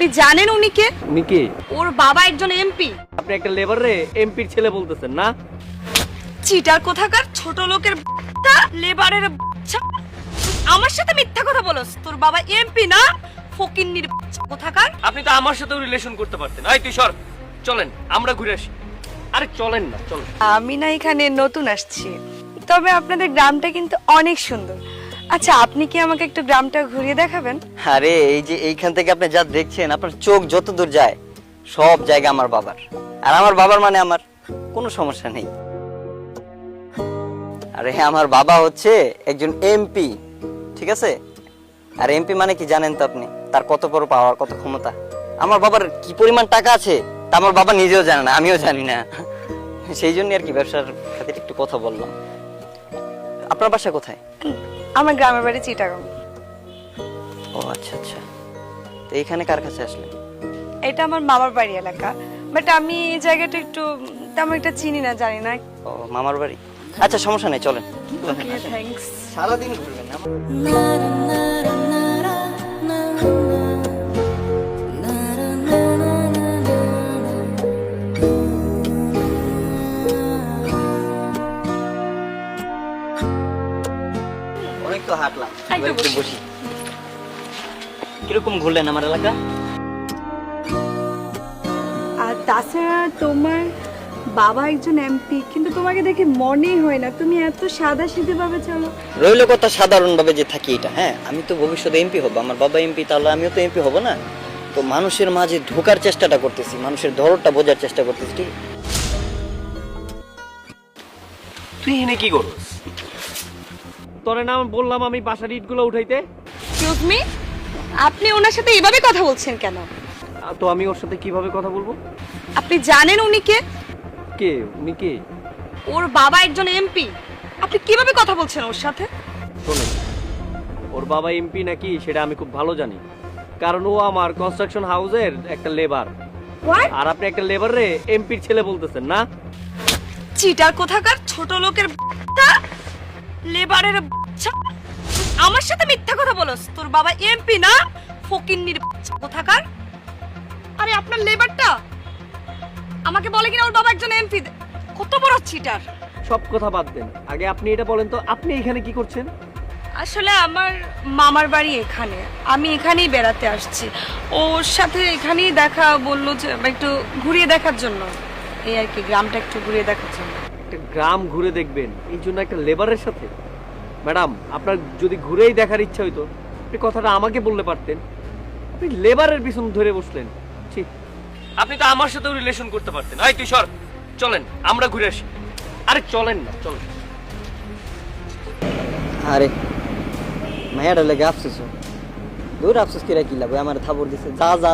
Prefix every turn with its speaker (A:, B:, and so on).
A: আপনি জানেন উনি কে?
B: উনি কে?
A: ওর বাবা একজন এমপি।
B: আপনি একটা লেবার রে এমপির ছেলে বলতেছেন না?
A: চিটার কোথাকার, ছোট লোকের বাচ্চা, লেবারের বাচ্চা। আমার সাথে মিথ্যা কথা বলস? তোর বাবা এমপি না, ফকিন্নির বাচ্চা কোথাকার।
B: আপনি তো আমার সাথেও রিলেশন করতে পারতেন। এই তুই সর, চলেন আমরা ঘুরে আসি। আরে চলেন না, চলেন।
A: আমি না এখানে নতুন আসছি, তবে আপনাদের গ্রামটা কিন্তু অনেক সুন্দর। আচ্ছা, আপনি কি আমাকে একটু গ্রামটা ঘুরিয়ে দেখাবেন?
C: আরে এই যে এইখান থেকে আপনি যা দেখছেন, আপনার চোখ যত দূর যায় সব জায়গা আমার বাবার, আর আমার বাবার মানে আমার কোনো সমস্যা নেই। আরে হ্যাঁ, আমার বাবা হচ্ছে একজন এমপি, ঠিক আছে? আর এমপি মানে কি জানেন তো আপনি? তার কত বড় পাওয়ার, কত ক্ষমতা। আমার বাবার কি পরিমাণ টাকা আছে তা আমার বাবা নিজেও জানে না, আমিও জানি না। সেই জন্য আর কি ব্যবসার খাতিরে একটু কথা বললাম। আপনার বাসা কোথায়?
A: আমার গ্রামের বাড়ি চিটাগাং।
C: ও আচ্ছা আচ্ছা, তো এইখানে কার কাছে আসলেন?
A: এটা আমার মামার বাড়ি এলাকা, বাট আমি এই জায়গাটা একটু তেমন একটা চিনি না, জানি না।
C: ও মামার বাড়ি, আচ্ছা সমস্যা নেই, চলেন।
A: Okay, thanks.
C: সারাদিন ঘুরবেন না? অনেক তো হাঁটলাম,
A: একটু
C: একটু
A: বসি।
C: বসি। কিরকম ঘুরলেন আমার এলাকা?
A: আর তাছাড়া তোমার বাবা একজন এমপি, কিন্তু তোমাকে দেখে মনেই হয় না তুমি এত সাদা সিধে ভাবে চলো।
C: রইল কথা সাধারণ ভাবে যে থাকি এটা, হ্যাঁ আমি তো ভবিষ্যতে এমপি হব, আমার বাবা এমপি, তাহলে আমিও তো এমপি হব না? তো মানুষের মাঝে ঢোকার চেষ্টাটা করতেছি, মানুষের ধরনটা বোঝার চেষ্টা করতেছি, ঠিক?
B: তুই এনে কি করস? তোরে না আমি বললাম আমি বাসার ইটগুলো উঠাইতে?
A: এক্সকিউজ মি, আপনি ওনার সাথে এভাবে কথা বলছেন কেন?
B: তো আমি ওর সাথে কিভাবে কথা বলবো?
A: আপনি জানেন উনি কে?
B: কে? উনি কে?
A: ওর বাবা একজন এমপি। আপনি কিভাবে কথা বলছেন ওর সাথে?
B: শোনেন, ওর বাবা এমপি নাকি সেটা আমি খুব ভালো জানি, কারণ ও আমার কনস্ট্রাকশন হাউসের একটা লেবার।
A: হোয়াট?
B: আর আপনি একটা লেবার রে এমপির ছেলে বলতেছেন না?
A: চিটার কোথাকার, ছোট লোকের বাচ্চা, লেবারের বাচ্চা। আমার সাথে মিথ্যা কথা বলস? তোর বাবা এমপি না, ফকিন্নির বাচ্চা কোথাকার। আরে আপনার লেবারটা আমাকে বলে কিনা ওর বাবা একজন এমপি। কত বড় চিটার!
B: সব কথা বাদ দেন, আগে আপনি এটা বলেন তো আপনি এখানে কি করছেন?
A: আসলে আমার মামার বাড়ি এখানে, আমি এখানেই বেড়াতে আসছি। ওর সাথে এখানেই দেখা, বললো যে একটু ঘুরিয়ে দেখার জন্য, এই আর কি, গ্রামটা একটু ঘুরিয়ে দেখার জন্য।
B: একটা গ্রাম ঘুরে দেখবেন এই জন্য একটা লেবারের সাথে? ম্যাডাম, আপনার যদি ঘুরেই দেখার ইচ্ছা হইতো আপনি কথাটা আমাকে বললে পারতেন, আপনি লেবারের পিছন ধরে বসলেন। ঠিক, আপনি তো আমার সাথেও রিলেশন করতে পারতেন। এই তুই সর, চলেন আমরা ঘুরে আসি। আরে চলেন না, চলেন।
C: আরে মায়াটা লেগে আফসোস, দূর আফসোস কিরা কি লাগবে, আমার থাবর দিছে, যা যা